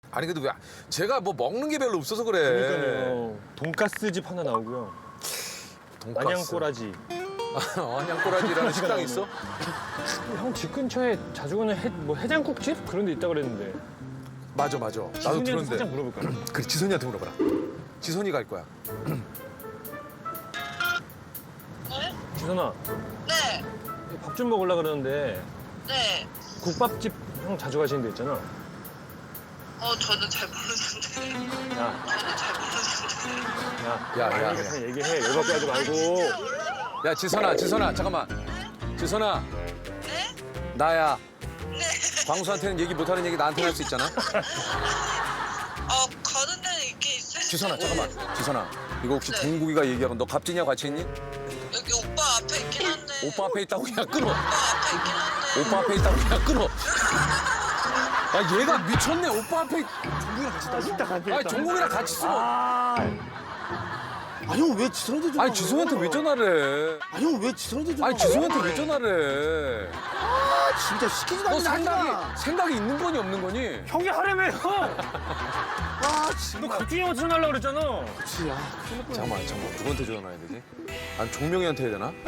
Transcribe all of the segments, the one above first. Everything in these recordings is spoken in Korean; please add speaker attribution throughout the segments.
Speaker 1: 아니 근데 왜 제가 뭐 먹는 게 별로 없어서 그래.
Speaker 2: 그러니까요. 돈가스 집 하나 나오고요.
Speaker 1: 돈가스.
Speaker 2: 안양꼬라지.
Speaker 1: 안양꼬라지라는 식당 있어?
Speaker 2: 형 집 근처에 자주 가는 해장국집 그런 데 있다 그랬는데.
Speaker 1: 맞아. 나도
Speaker 2: 지훈이한테
Speaker 1: 들었는데.
Speaker 2: 살짝 물어볼까요?
Speaker 1: 그래 지선이한테 물어봐라. 지선이 갈 거야.
Speaker 2: 지선아,
Speaker 3: 네,
Speaker 2: 밥 좀 먹으려 그러는데
Speaker 3: 네.
Speaker 2: 국밥집 형 자주 가시는 데 있잖아.
Speaker 3: 저는 잘 모르는데.
Speaker 2: 야,
Speaker 3: 저는 잘 모르는데.
Speaker 1: 야.
Speaker 2: 그냥 얘기해. 열받게 하지 말고.
Speaker 1: 야 지선아 잠깐만. 지선아
Speaker 3: 네?
Speaker 1: 나야.
Speaker 3: 네.
Speaker 1: 광수한테는 얘기 못하는 얘기 나한테 할 수 있잖아.
Speaker 3: 가는 데는 있긴 있어요.
Speaker 1: 지선아 잠깐만. 지선아 이거 혹시
Speaker 3: 네.
Speaker 1: 동국이가 얘기하고 너 갑진이하고 같이 있니?
Speaker 3: 여기 오빠 앞에 있긴 한데.
Speaker 1: 오빠 앞에 있다고 그냥 끊어.
Speaker 3: 오빠 앞에 있긴 한데.
Speaker 1: 오빠 앞에 있다고 그냥 끊어. 야 얘가 미쳤네. 오빠 앞에. 아니 종국이랑 같이 있어.
Speaker 4: 아니 형 왜 지선한테 전화?
Speaker 1: 아니 지성한테 왜 전화를 해?
Speaker 4: 아니 형 왜 지선한테 전화?
Speaker 1: 아니 지성한테 왜 전화를 해?
Speaker 4: 아 진짜 시키지도
Speaker 1: 너
Speaker 4: 않는 하지마.
Speaker 1: 생각이 있는 거니 없는 거니?
Speaker 2: 형이 하라며, 형!
Speaker 4: 아 진짜.
Speaker 2: 너 갑자기 형한테 전화하려고 그랬잖아.
Speaker 4: 그치 야.
Speaker 1: 잠깐만 누구한테 전화해야 되지? 아니 종명이한테 해야 되나?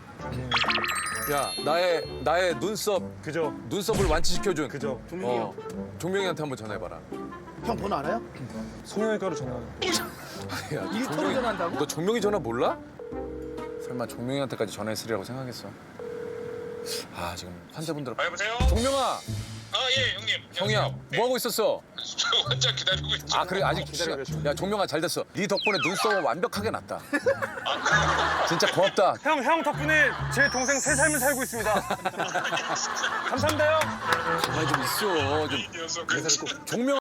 Speaker 1: 야 나의 눈썹을 완치시켜준
Speaker 2: 그죠.
Speaker 4: 종민이 형.
Speaker 1: 종명이한테 한번 전화해봐라.
Speaker 4: 형 번호 알아요?
Speaker 2: 성형외과로 전화.
Speaker 1: 야,
Speaker 4: 일터로 전화한다고?
Speaker 1: 너 종명이 전화 몰라? 설마 종명이한테까지 전화했으리라고 생각했어? 아 지금 환자분들.
Speaker 5: 여보세요?
Speaker 1: 종명아,
Speaker 5: 예, 형님.
Speaker 1: 형이야,
Speaker 5: 안녕하세요.
Speaker 1: 뭐 하고 있었어?
Speaker 5: 저 환자 기다리고 있죠.
Speaker 1: 아 그래 아직
Speaker 2: 기다리고
Speaker 1: 야 종명아 잘 됐어. 네 덕분에 눈썹은 완벽하게 났다. 진짜 고맙다.
Speaker 2: 형 덕분에 제 동생 새 삶을 살고 있습니다. 감사합니다, 형.
Speaker 1: 가만히 좀 있어. 좀
Speaker 5: 이 녀석.
Speaker 1: 종명.